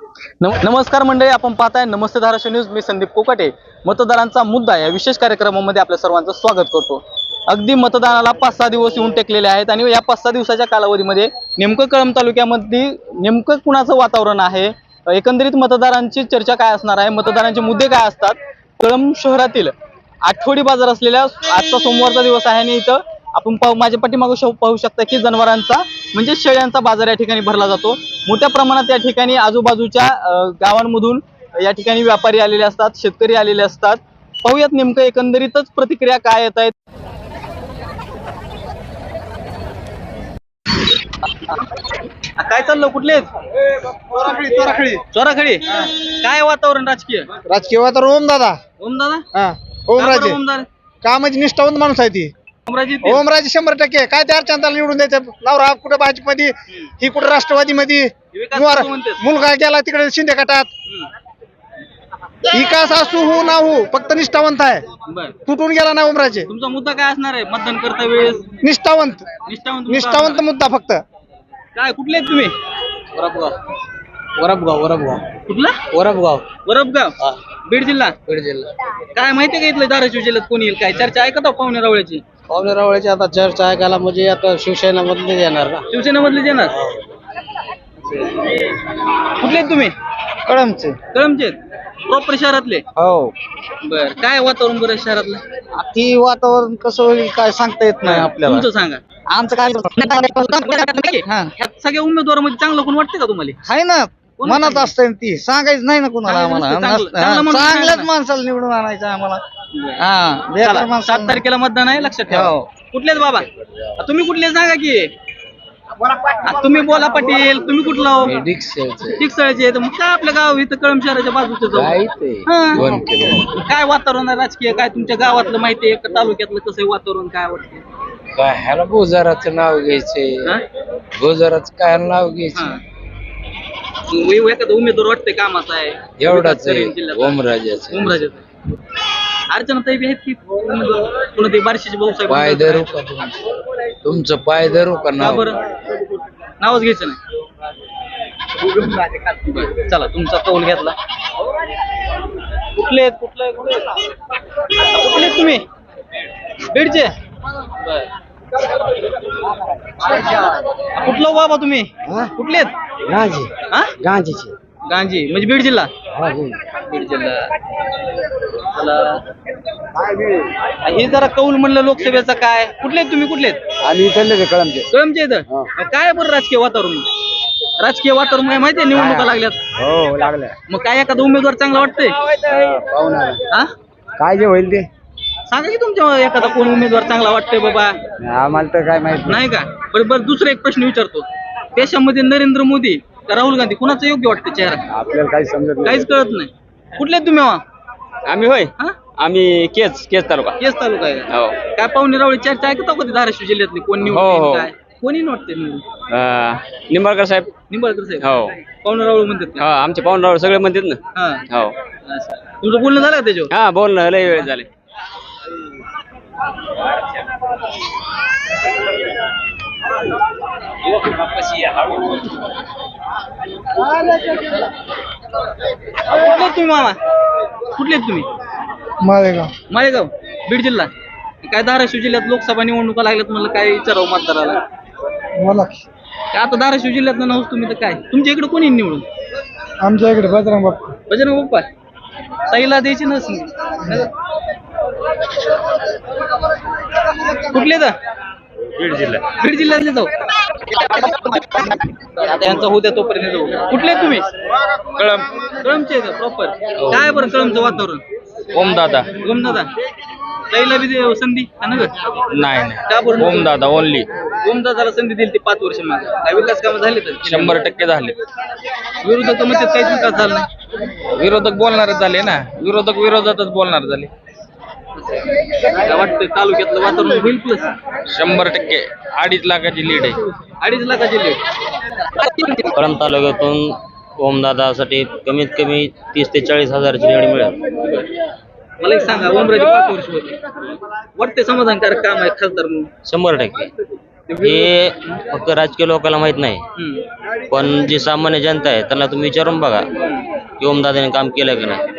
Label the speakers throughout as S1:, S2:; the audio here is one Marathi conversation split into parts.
S1: नमस्कार मंडळी, आपण पाहताय नमस्ते धाराशिव न्यूज. मी संदीप कोकाटे. मतदारांचा मुद्दा या विशेष कार्यक्रमामध्ये आपल्या सर्वांचं स्वागत करतो. अगदी मतदानाला 5-6 दिवस येऊन टेकलेले आहेत आणि या 5-6 दिवसाच्या कालावधीमध्ये नेमकं कळंब तालुक्यामध्ये नेमकं कुणाचं वातावरण आहे, एकंदरीत मतदारांची चर्चा काय असणार आहे, मतदारांचे मुद्दे काय असतात. कळंब शहरातील आठवडी बाजार असलेल्या आजचा सोमवारचा दिवस आहे आणि इथं आपण माझ्या पाठीमागं पाहू शकता की जनावरांचा म्हणजे शेळ्यांचा बाजार या ठिकाणी भरला जातो. मोठ्या प्रमाणात या ठिकाणी आजूबाजूच्या गावांमधून या ठिकाणी व्यापारी आलेले असतात, शेतकरी आलेले असतात. पाहूयात नेमकं एकंदरीतच प्रतिक्रिया काय येत आहेत. काय चाललं, कुठले चोराखडी? काय वातावरण राजकीय
S2: वातावरण ओमदादा
S1: ओमदादा
S2: ओमराजे कामाची निष्ठावंत माणूस आहे ती. ओमराजे 100% काय त्या अर्चनाला निवडून द्यायचं. नवरा कुठं भाजपमध्ये, ही कुठं राष्ट्रवादी मध्ये, मुलगा गेला तिकडे शिंदे गटात. विकास असू हो ना हो, फक्त निष्ठावंत आहे. तुटून गेला ना ओमराजे.
S1: तुमचा मुद्दा काय असणार आहे मतदान करता वेळेस?
S2: निष्ठावंत मुद्दा फक्त.
S1: काय कुठले आहेत तुम्ही?
S2: वरबगाव
S1: कुठला? वरबगाव बीड जिल्हा. काय माहितीये का इथलं धाराशिव जिल्ह्यात कोणी येईल, काय चर्चा ऐकता पाहुणे रावळ्याची
S2: आता चर्चा ऐकायला म्हणजे आता शिवसेना मधले येणार ना.
S1: शिवसेना मधले येणार. कुठले आहेत तुम्ही?
S2: कळमचे
S1: प्रॉपर शहरातले?
S2: हो.
S1: बर, काय वातावरण बरं शहरातलं?
S2: ती वातावरण कसं होईल काय सांगता येत नाही आपल्याला.
S1: तुमचं सांगा.
S2: आमचं काय
S1: ह्यात सगळ्या उमेदवारामध्ये चांगलं कोण वाटतं का तुम्हाला?
S2: आहे ना, मनात असते ती, सांगायचं नाही ना कुणाला. आम्हाला चांगल्याच माणसाला निवडून आणायचं आम्हाला. हा,
S1: 7 तारखेला मतदान आहे, लक्षात ठेवा. कुठलेच बाबा तुम्ही कुठले सांगा की? तुम्ही बोला पाटील, तुम्ही कुठला? टिकसळचे. मग काय आपल्या गाव इथं कळंब शहराच्या बाजूचं काय वातावरण आहे राजकीय? काय तुमच्या गावातलं माहिती आहे का, तालुक्यातलं कसं वातावरण काय वाटतं?
S3: काय ह्याला भोजाराचं नाव घ्यायचंय, भोजाराचं काय नाव घ्यायचं?
S1: एखादा उमेदवार वाटतंय कामाचा आहे
S3: एवढाच आहे ओमराजाचं.
S1: अर्चना ताई आहेत की कोण ते बारशीचे भाऊसाहेब?
S3: पाय धरू का तुमचं पाय धरू का? नाव
S1: बरं, नावच घ्यायचं नाही. चला, तुमचा कौल घेतला. कुठले तुम्ही? बीडचे? कुठलं बाबा तुम्ही? कुठले आहेत? गांजी म्हणजे बीड जिल्हा. बीड जिल्हा. हे जरा कौल म्हणलं लोकसभेचा काय. कुठले तुम्ही? कळमचे इथं. काय बरं राजकीय वातावरण काय माहितीये? निवडणुका लागल्यात.
S2: हो, लागल्या.
S1: मग काय एखादा उमेदवार चांगला वाटतंय?
S2: काय जे होईल ते
S1: सांगा की तुमच्या एखादा कोण उमेदवार चांगला वाटतंय बाबा?
S2: आम्हाला तर काय माहिती
S1: नाही का? बरं, दुसरा एक प्रश्न विचारतो. देशामध्ये नरेंद्र मोदी का राहुल गांधी, कुणाचं योग्य वाटतं चेहरा?
S2: आपल्याला काही समजत नाही.
S1: काहीच कळत नाही. कुठले तुम्ही?
S3: आम्ही होय, आम्ही केज तालुका.
S1: केस तालुका आहे.
S3: हो.
S1: काय पाहुणे रावळी चर्चा ऐकता कधी धाराशिव जिल्ह्यातली कोण निवडून? काय कोणी वाटते?
S3: निंबाळकर साहेब. हो.
S1: पाहुणे रावळ म्हणतात.
S3: हा, आमचे पाहुणे सगळे म्हणतात ना. हो.
S1: तुमचं बोलणं झालं का त्याच्यावर?
S3: हा, बोलणं लय वेळ झाले.
S1: कुठले तुम्ही मामा? कुठले तुम्ही? माळेगाव बीड जिल्हा. काय धाराशिव जिल्ह्यात लोकसभा निवडणुका लागल्यात, म्हणलं काय विचारावं मतदाराला. काय आता धाराशिव जिल्ह्यात नव्हतं तुम्ही तर काय तुमच्या इकडे कोणी निवडून?
S2: आमच्या इकडे बजरंग
S1: बाप्पा ताईला द्यायची नस. कुठले तर? बीड जिल्ह्यातले जाऊ. यांचा होत्या तोपर्यंत जाऊ. कुठले तुम्ही? कळमचे प्रॉपर. काय बरं कळमचं वातावरण?
S3: ओमदादा.
S1: ताईला बी संधी
S3: नाही,
S1: का बरं?
S3: ओमदादा ओनली.
S1: ओमदादाला संधी दिली ती 5 वर्ष मागे. काय विकास कामं झाले तर?
S3: 100% झाले.
S1: विरोधक म्हणतात काहीच विकास झाला नाही.
S3: विरोधक बोलणारच झाले ना. विरोधातच बोलणार झाले.
S1: काय वाटतं तालुक्यातलं वातावरण होईल प्लस?
S3: 100% 2.5 लाखाची लीड आहे.
S1: 2.5 लाखाची लीड.
S3: कळंब तालुक्यातून ओमदादासाठी कमीत कमी 30 ते 40 हजाराची लीड मिळेल.
S1: मला एक सांगा, ओमराजे 5 वर्ष होते, वाटते समाधानकारक काम आहे खासदार म्हणून?
S3: 100%. हे फक्त राजकीय लोकांना माहित नाही,
S1: हम्म.
S3: पण जी सामान्य जनता आहे त्यांना तुम्ही विचारून बघा की ओमदादाने काम केलं का नाही.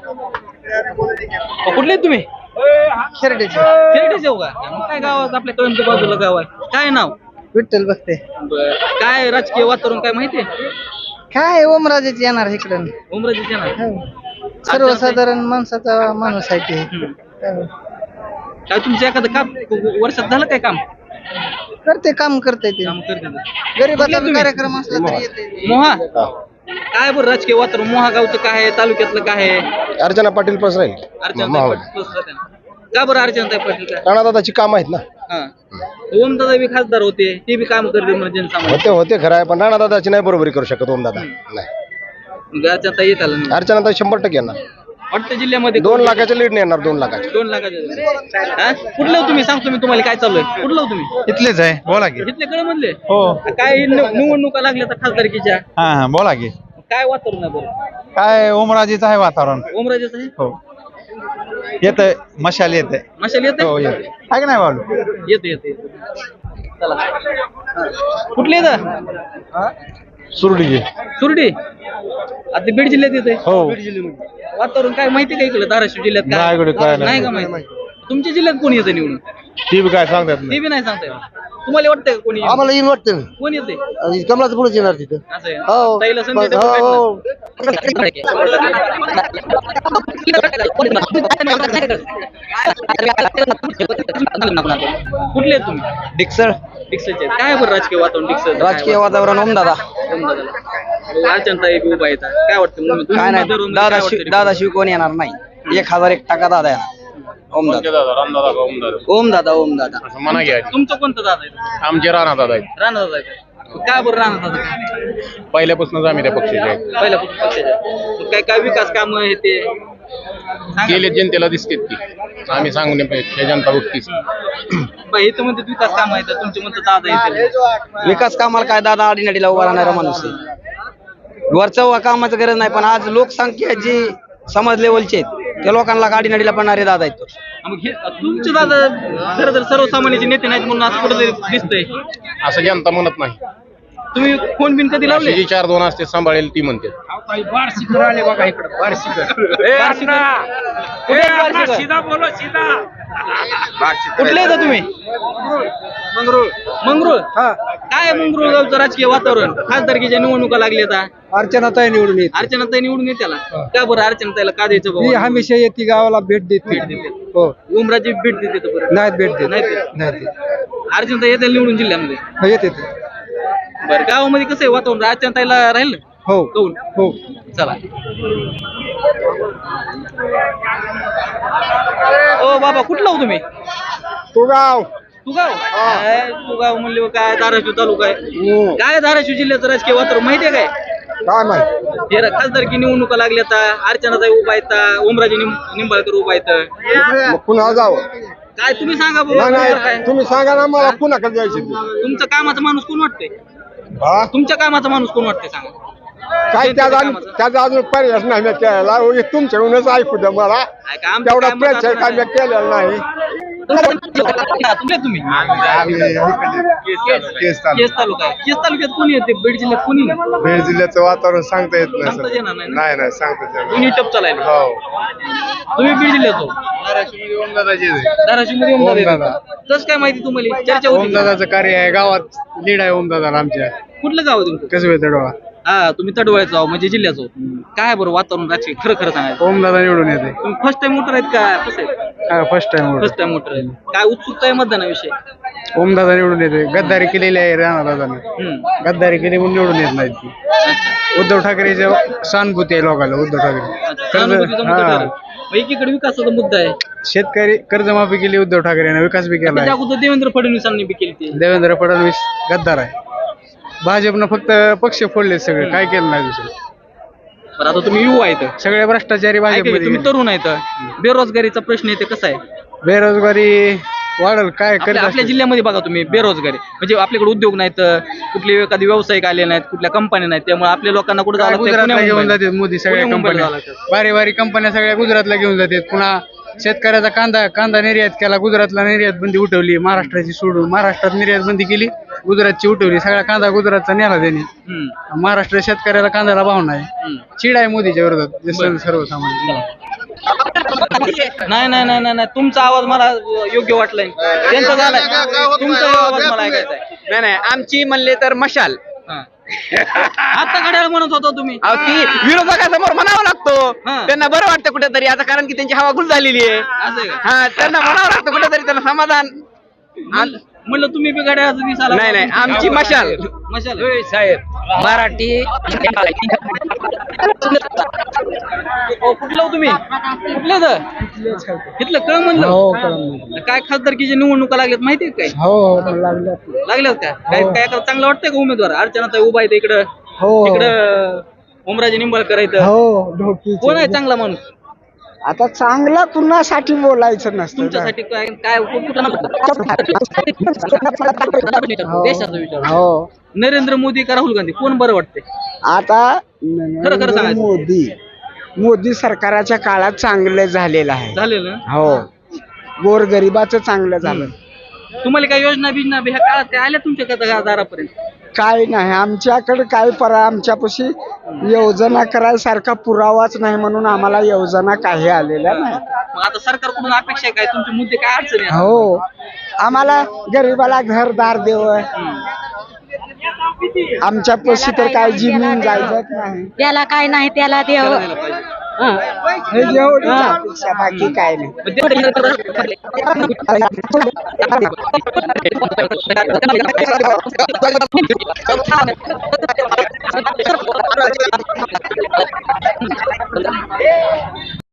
S1: कुठले आहेत तुम्ही?
S2: खेरडेचे
S1: खेरडेचे हो का? मग काय गावात आपल्या कळंबच्या बाजूला गाव आहे, काय नाव?
S2: विठ्ठल बघते
S1: काय राजकीय वातावरण काय माहितीये?
S2: काय ओमराजेच येणार इकडं
S1: उमराजीचे ना
S2: सर्वसाधारण माणसाचा माणूस आहे ते
S1: काय तुमचं एखादं काम वर्षात झालं काय काम?
S2: करते काम करते ते
S1: काम करते ना.
S2: गरीबाचा कार्यक्रम असला तरी येते
S1: मोहा काय बरं राजकीय वातावरण मोहा गावचं काय आहे, तालुक्यातलं काय आहे?
S4: अर्चना पाटील प्लस राहील.
S1: अर्चनाताई पाटील plus राहते ना. का बरं अर्चनाताई पाटील काय?
S4: राणादादाची काम आहेत ना.
S1: हा ओमदादा बी खासदार होते, ते बी काम करते म्हणजे जनसामान्य.
S4: होते खरं आहे, पण राणादादाची नाही बरोबरी करू शकत ओमदादा. नाही,
S1: मग अर्चनाताई येत आलं नाही.
S4: अर्चनादादा 100% येणार.
S1: वाटतं जिल्ह्यामध्ये
S4: 2 लाखाच्या लीड येणार. 2 लाखाच्या.
S1: 2 लाखाचे. हा? कुठलं हो तुम्ही? सांगतो मी तुम्हाला काय चालू आहे. कुठलं हो तुम्ही?
S5: इथलेच आहे, बोला की.
S1: इथले कळमधले?
S5: हो.
S1: काय निवडणुका लागल्या तर खासदारकीच्या
S5: हा बोला की.
S1: काय वातावरण आहे बरं?
S5: काय ओमराजेचं आहे वातावरण.
S1: ओमराजेच आहे.
S5: हो येतंय, मशाल येते.
S1: मशाल येते.
S5: हो येते. आहे की नाही बालू?
S1: येते चला. कुठले येतं?
S5: सुरडीची.
S1: सुरडी आता बीड जिल्ह्यात येते.
S5: हो.
S1: वातावरण काय माहिती का इकडे धाराशिव जिल्ह्यात
S5: नाही इकडे काय नाही.
S1: नाही का माहिती? तुमच्या जिल्ह्यात कोणी येतं निवडून?
S5: ती बी काय सांगतात
S1: ते बी नाही सांगता येत. तुम्हाला वाटतंय का कोणी येईल?
S2: आम्हाला येऊन वाटतं
S1: कोण येते
S2: कमलाचं पुढे येणार तिथं
S1: असं आहे?
S2: हो.
S1: ताईला संधी द्या
S2: हो,
S1: कुठले आहेत तुम्ही?
S2: डिक्सळ
S1: डिक्सलचे आहेत. काय बरं राजकीय वातावरण डिक्सल?
S2: राजकीय वातावरण ओमदादा
S1: अर्चनताई उभा येतात. काय वाटतं मग? तुम्ही
S2: काय नाही
S1: मतदार
S2: दादा
S1: काय वाटतं?
S2: दादाशिव कोण येणार नाही. 1001 दादा येणार. ओमदादा
S1: तुमचं कोणतं दादा आहे?
S4: आमचे राणादादा आहेत.
S1: राणा दादा आहे. काय बरं राणा दादा?
S4: पहिल्यापासूनच आम्ही त्या पक्षाचे आहेत.
S1: पहिल्यापासून पक्षाचे. काय काय विकास काम आहे ते सांगा.
S4: गेले जनतेला दिसतेत की आम्ही सांगण्यापेक्षा जनता बघतीच.
S1: बाई, इथं म्हणतात विकास काम आहे तर तुमचे म्हणतात दादा येते.
S2: विकास कामाला काय दादा आडीनडीला उभा राहणारा माणूस आहे. वरचं कामाचं गरज नाही, पण आज लोकसंख्या जी समाज लेवलचे आहेत त्या लोकांना गाडीनडीला पडणारे दादा आहेत.
S1: मग हे तुमचे दादा खरं तर सर्वसामान्याचे नेते नाहीत म्हणून असं कुठेतरी दिसतंय.
S4: असं जनता म्हणत नाही.
S1: तुम्ही फोन बिन कधी लावले?
S4: जी 4-2 असते सांभाळेल ती म्हणते.
S1: कुठले येतं तुम्ही? मंगरुळ. काय मंगरुळ गावचं राजकीय वातावरण? खासदारकीच्या निवडणुका लागल्या आता.
S2: अर्चनाताई निवडून येते.
S1: अर्चनाताई निवडून येत्याला का बरं? अर्चनाताईला का द्यायचं
S2: ती
S1: बाबा?
S2: हमेशा येते गावाला भेट देते.
S1: भेट देते.
S2: हो
S1: उमराजी भेट देते तर बरं.
S2: नाही भेट देत
S1: नाही देत.
S2: नाही
S1: अर्चनाताई येते निवडून जिल्ह्यामध्ये.
S2: येते
S1: बरं गावामध्ये कसं आहे वातावरण? अर्चनाताईला राहील
S2: हो
S1: कौल?
S2: हो.
S1: चला. ओ बाबा कुठला हो तुम्ही?
S2: तू गाव
S1: तू गाव म्हणले काय धाराशिव तालुका आहे. काय धाराशिव जिल्ह्याचं राजकीय वातावरण माहितीये काय?
S2: काय माहिती
S1: हे खासदारकी निवडणुका लागल्या तर अर्चनाताई उभा येतात, ओमराजे निंबाळकर उभा येतं.
S2: पुन्हा जावं.
S1: काय तुम्ही सांगा बाबा काय?
S2: तुम्ही सांगा ना मला पुन्हा कधी जायचं.
S1: तुमचं कामाचा माणूस कोण वाटतंय? तुमच्या कामाचा माणूस कोण वाटतंय सांगा?
S2: काय त्याचा अजून पर्याय नाही मी केलेला. तुमच्याकडूनच ऐकू द्या मला.
S1: काय का आमचं
S2: तेवढा
S1: काय मत
S2: प्रयत्न
S1: असं
S2: काय मी केलेला नाही.
S1: तुम्ही केस तालुका आहे. केस तालुक्यात कोणी येते? बीड जिल्ह्यात कोणी नाही?
S2: बीड जिल्ह्याचं वातावरण सांगता येत
S1: सांगताच येणार नाही ना?
S2: नाही सांगता येत
S1: दोन्ही टप चालायला.
S2: हो.
S1: तुम्ही बीड जिल्ह्यात हो? धाराशिव मध्ये ओमदादा. कसं काय माहिती तुम्हाला? चर्चा होती का?
S2: ओमदादाचं कार्य आहे गावात लीड आहे ओमदादा आमच्या.
S1: कुठलं गाव आहे तुमचं?
S2: कसं तडवा
S1: हा तुम्ही तडवळ्याचं आहो म्हणजे जिल्ह्याचं. काय बरं वातावरण राजकीय खरं सांगायचं?
S2: ओमदादा निवडून येते.
S1: तुम्ही फर्स्ट टाइम मोटर आहेत का कसं आहे?
S2: First time
S1: first time motor आहे. काय उत्सुकता आहे मतदानाविषयी?
S2: ओमदादा निवडून येते. गद्दारी केलेली आहे राणादादाने. गद्दारी केली म्हणून निवडून येत नाही ती. उद्धव ठाकरेच्या सहानुभूती आहे लोकांना. उद्धव
S1: सहानुभूतीचा मुद्दा
S2: ठाकरे
S1: ठरेल. मग एकीकडे विकासाचा मुद्दा आहे.
S2: शेतकरी कर्जमाफी केली उद्धव ठाकरेने. विकास बी केला
S1: त्याच्या अगोदर देवेंद्र फडणवीसांनी बी केली ती.
S2: देवेंद्र फडणवीस गद्दार आहे. भाजपनं फक्त पक्ष फोडले सगळे. काय केलं नाही दुसरं.
S1: बरं आता तुम्ही युवा आहेत,
S2: सगळे भ्रष्टाचारी
S1: ऐका की,
S2: भाजपमध्ये
S1: तुम्ही तरुण आहेत. बेरोजगारीचा प्रश्न येते कसा आहे?
S2: बेरोजगारी वाढल काय
S1: आपल्या जिल्ह्यामध्ये बघा तुम्ही बेरोजगारी म्हणजे आपल्याकडे उद्योग नाहीत, कुठले एखादी व्यावसायिक आले नाहीत, कुठल्या कंपन्या नाहीत. त्यामुळे आपल्या लोकांना कुठे
S2: गुजरातला घेऊन जातात मोदी. सगळ्या कंपन्या भारी भारी कंपन्या सगळ्या गुजरातला घेऊन जातात. पुन्हा शेतकऱ्याचा कांदा निर्यात केला, गुजरातला निर्यात बंदी उठवली, महाराष्ट्राची सोडून महाराष्ट्रात निर्यात बंदी केली, गुजरातची उठवली, सगळा कांदा गुजरातचा नेला त्यांनी. महाराष्ट्र शेतकऱ्याला कांद्याला भाव नाही, चीड आहे मोदीच्या विरोधात सर्वसामान्य.
S1: नाही नाही नाही नाही नाही, तुमचा आवाज मला योग्य वाटलाय, त्यांचा झालाय, तुमचा आवाज मला ऐकायचा आहे.
S6: नाही आमची म्हणले तर मशाल.
S1: आता घड्याळ म्हणत होता तुम्ही.
S6: अहो, ती विरोधकासमोर म्हणावं लागतो.
S1: हा.
S6: त्यांना बरं वाटतं कुठेतरी आता, कारण की त्यांची हवा गुल झालेली आहे.
S1: असं आहे का?
S6: हा, त्यांना म्हणावं लागतं कुठेतरी, त्यांना समाधान.
S1: म्हणलं तुम्ही बी घड्याळाचा दिसाला.
S6: नाही आमची मशाल.
S1: मशाल
S6: साहेब मराठी.
S1: कुठलं हो तुम्ही, कुठले तर इथलं कळ म्हणलं. काय खासदारकीच्या निवडणुका लागल्यात माहिती आहे काय? लागल्यात का? काय काय चांगलं वाटतंय का उमेदवार? अर्चनाताई उभा आहे इकडं, इकडं ओमराजे निंबाळकर आहेत. कोण आहे चांगला माणूस
S2: आता चांगला कुणासाठी बोलायचं नसतं.
S1: तुमच्यासाठी? काय काय कुठं देशाचा विचार. नरेंद्र मोदी का राहुल गांधी, कोण बरं वाटते?
S2: आता
S1: खरं खरं सांगायचं.
S2: मोदी सरकाराच्या काळात चांगलं झालेलं आहे.
S1: झालेलं.
S2: हो, गोरगरिबाचं चांगलं झालं.
S1: तुम्हाला काय योजना बिजना ह्या काळात काय आल्या तुमच्या दारापर्यंत?
S2: काय नाही आमच्याकडे, काय आमच्यापाशी योजना करायसारखा पुरावाच नाही, म्हणून आम्हाला योजना काही आलेल्या नाही.
S1: मग आता सरकारकडून अपेक्षा आहे काय? तुमचे मुद्दे काय अडचणी आहेत?
S2: हो, आम्हाला गरीबाला घरदार देव, आमच्या पशी तर काय जमीन जायचं नाही,
S7: त्याला काय नाही त्याला देव.
S1: करायला पाहिजे.
S2: हे एवढीच अपेक्षा, बाकी काय नाही.